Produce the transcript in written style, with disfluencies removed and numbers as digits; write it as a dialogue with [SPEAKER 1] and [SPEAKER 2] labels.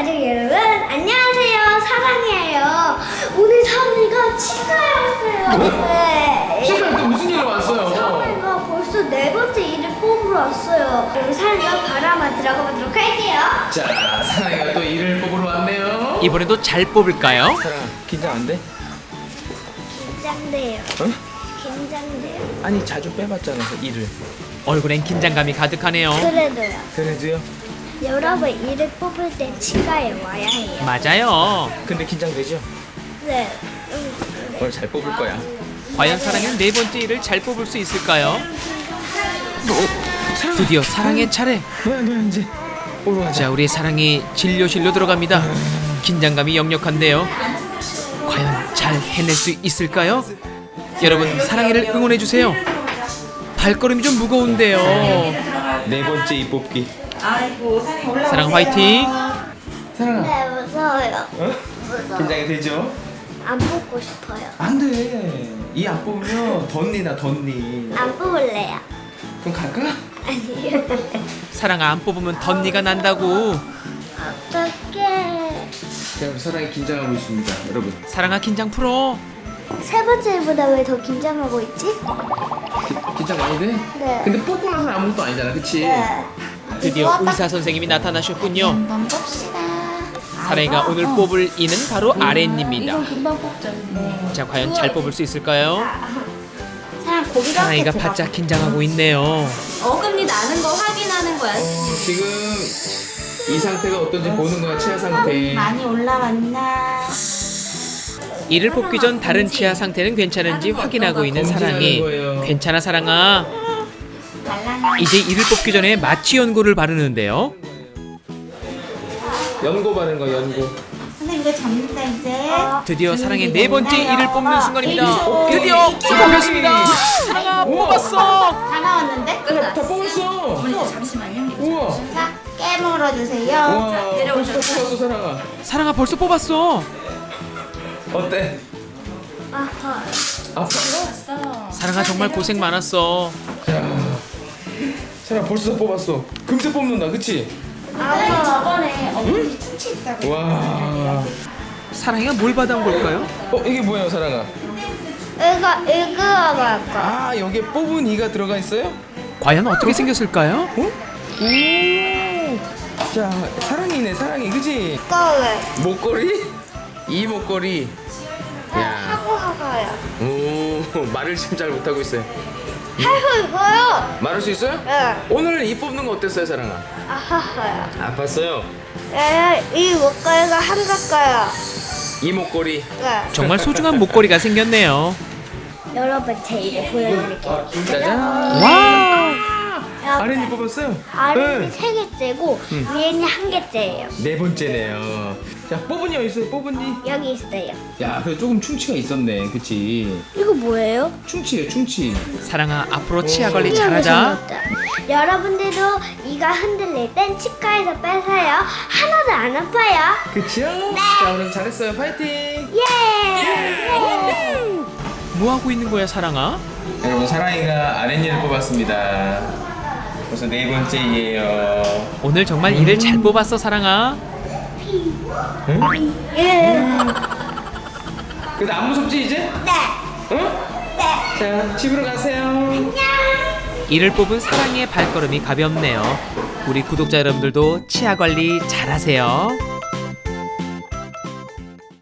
[SPEAKER 1] 가족 여러분 안녕하세요. 사랑이에요. 오늘 사랑이가 치과에 왔어요. 네.
[SPEAKER 2] 치과에 또 무슨 일로 왔어요?
[SPEAKER 1] 사랑이가 벌써 4번째 일을 뽑으러 왔어요. 그럼 사랑이가 바로 한번 들어가 보도록 할게요.
[SPEAKER 2] 자, 사랑이가 또 일을 뽑으러 왔네요.
[SPEAKER 3] 이번에도 잘 뽑을까요?
[SPEAKER 2] 사랑아, 긴장 안 돼?
[SPEAKER 1] 긴장돼요.
[SPEAKER 2] 응?
[SPEAKER 1] 긴장돼요.
[SPEAKER 2] 아니, 자주 빼봤잖아, 일을.
[SPEAKER 3] 얼굴엔 긴장감이 가득하네요.
[SPEAKER 1] 그래도요.
[SPEAKER 2] 그래도요?
[SPEAKER 1] 여러분 일을 뽑을 땐 치과에 와야 해요.
[SPEAKER 3] 맞아요.
[SPEAKER 2] 근데 긴장되죠?
[SPEAKER 1] 네.
[SPEAKER 2] 오늘 잘 뽑을 거야.
[SPEAKER 3] 과연 사랑이는 4번째 일을 잘 뽑을 수 있을까요? 드디어 사랑의 차례.
[SPEAKER 2] 뭐야, 이제 뽑으러 가자.
[SPEAKER 3] 자, 우리 사랑이 진료실로 들어갑니다. 긴장감이 역력한데요. 과연 잘 해낼 수 있을까요? 여러분, 사랑이를 응원해주세요. 발걸음이 좀 무거운데요.
[SPEAKER 2] 4번째 이 뽑기.
[SPEAKER 3] 사랑 화이팅.
[SPEAKER 2] 사랑아,
[SPEAKER 1] 네, 무서워요.
[SPEAKER 2] 어?
[SPEAKER 1] 무서워.
[SPEAKER 2] 긴장이 되죠?
[SPEAKER 1] 안 뽑고 싶어요.
[SPEAKER 2] 안 돼. 이 안 뽑으면 덧니나 덧니.
[SPEAKER 1] 안 뽑을래요.
[SPEAKER 2] 그럼 갈까?
[SPEAKER 1] 아니요.
[SPEAKER 3] 사랑아, 안 뽑으면 덧니가 난다고.
[SPEAKER 1] 어떡해.
[SPEAKER 2] 자, 우리 사랑이 긴장하고 있습니다, 여러분.
[SPEAKER 3] 사랑아, 긴장 풀어.
[SPEAKER 1] 세 번째 일보다 왜 더 긴장하고 있지?
[SPEAKER 2] 긴장 많이 돼?
[SPEAKER 1] 네.
[SPEAKER 2] 근데 뽑고 나서는 아무것도 아니잖아, 그치?
[SPEAKER 1] 네.
[SPEAKER 3] 드디어 의사 선생님이 나타나셨군요.
[SPEAKER 1] 한번 봅시다.
[SPEAKER 3] 사랑이가 오늘 뽑을 이는 바로 아랫니입니다.
[SPEAKER 1] 이건 금방 뽑죠. 네.
[SPEAKER 3] 자, 과연 잘 뽑을 수 있을까요?
[SPEAKER 1] 사람 고기가
[SPEAKER 3] 사랑이가 바짝 긴장하고 있네요.
[SPEAKER 4] 어금니 나는 거 확인하는 거야.
[SPEAKER 2] 지금 이 상태가 어떤지 보는 거야, 치아 상태.
[SPEAKER 1] 많이 올라왔나?
[SPEAKER 3] 이를 뽑기 전 다른 치아 상태는 괜찮은지 확인하고 있는 사랑이. 괜찮아, 사랑아. 이제 이를 뽑기 전에 마취 연고를 바르는데요.
[SPEAKER 2] 연고 바른 거, 연고.
[SPEAKER 1] 선생님 이거 잡는다 이제.
[SPEAKER 3] 드디어 사랑의 4번째 이를 뽑는 순간입니다. 드디어 뽑혔습니다. 사랑아, 뽑았어.
[SPEAKER 1] 다 나왔는데?
[SPEAKER 2] 다 뽑았어.
[SPEAKER 4] 잠시만요.
[SPEAKER 2] 우와.
[SPEAKER 1] 자, 깨물어 주세요.
[SPEAKER 2] 우와. 벌써 뽑았어, 사랑아.
[SPEAKER 3] 사랑아, 벌써 뽑았어.
[SPEAKER 2] 어때?
[SPEAKER 1] 아파.
[SPEAKER 2] 아파?
[SPEAKER 3] 사랑아, 정말 고생 많았어.
[SPEAKER 2] 야, 사랑아 벌써 뽑았어. 금세 뽑는다, 그치?
[SPEAKER 4] 저번에 어금니 충치 있다고.
[SPEAKER 2] 와.
[SPEAKER 3] 사랑이가 뭘 받아온 걸까요?
[SPEAKER 2] 이게 뭐예요, 사랑아?
[SPEAKER 1] 이거 할까?
[SPEAKER 2] 아, 여기에 뽑은 이가 들어가 있어요?
[SPEAKER 3] 과연 어떻게 생겼을까요?
[SPEAKER 2] 오. 자, 사랑이네, 사랑이, 그치?
[SPEAKER 1] 이거
[SPEAKER 2] 목걸이? 이 목걸이. 야.
[SPEAKER 1] 하고 하고요.
[SPEAKER 2] 오, 말을 지금 잘 못하고 있어요.
[SPEAKER 1] 하고 이거요.
[SPEAKER 2] 말할 수 있어요?
[SPEAKER 1] 네.
[SPEAKER 2] 오늘 이 뽑는 거 어땠어요, 사랑아?
[SPEAKER 1] 아하하요.
[SPEAKER 2] 아팠어요.
[SPEAKER 1] 이 목걸이가 한가까요.
[SPEAKER 2] 이 목걸이.
[SPEAKER 1] 네.
[SPEAKER 3] 정말 소중한 목걸이가 생겼네요.
[SPEAKER 1] 여러분 제 일을 보여드릴게요.
[SPEAKER 2] 짜잔.
[SPEAKER 3] 와!
[SPEAKER 2] 아린이 뽑았어요?
[SPEAKER 1] 아래는
[SPEAKER 2] 네.
[SPEAKER 1] 3개째고 위에는 1개째예요.
[SPEAKER 2] 4번째네요. 자, 뽑은이 어디 있어요? 뽑은이.
[SPEAKER 1] 여기 있어요.
[SPEAKER 2] 야, 그래 조금 충치가 있었네, 그치?
[SPEAKER 1] 이거 뭐예요?
[SPEAKER 2] 충치예요, 충치.
[SPEAKER 3] 사랑아, 앞으로 치아 관리 잘하자.
[SPEAKER 1] 여러분들도 이가 흔들릴 땐 치과에서 빼세요. 하나도 안 아파요.
[SPEAKER 2] 그치요? 자, 오늘 잘했어요. 파이팅!
[SPEAKER 1] 예!
[SPEAKER 3] 뭐 하고 있는 거야, 사랑아?
[SPEAKER 2] 여러분, 사랑이가 아랫니를 뽑았습니다. 벌써 4번째예요.
[SPEAKER 3] 오늘 정말 이를 잘 뽑았어, 사랑아.
[SPEAKER 1] 예!
[SPEAKER 2] 근데 안 무섭지 이제?
[SPEAKER 1] 네!
[SPEAKER 2] 응?
[SPEAKER 1] 네!
[SPEAKER 2] 자, 집으로 가세요.
[SPEAKER 1] 안녕!
[SPEAKER 3] 이를 뽑은 사랑이의 발걸음이 가볍네요. 우리 구독자 여러분들도 치아 관리 잘하세요.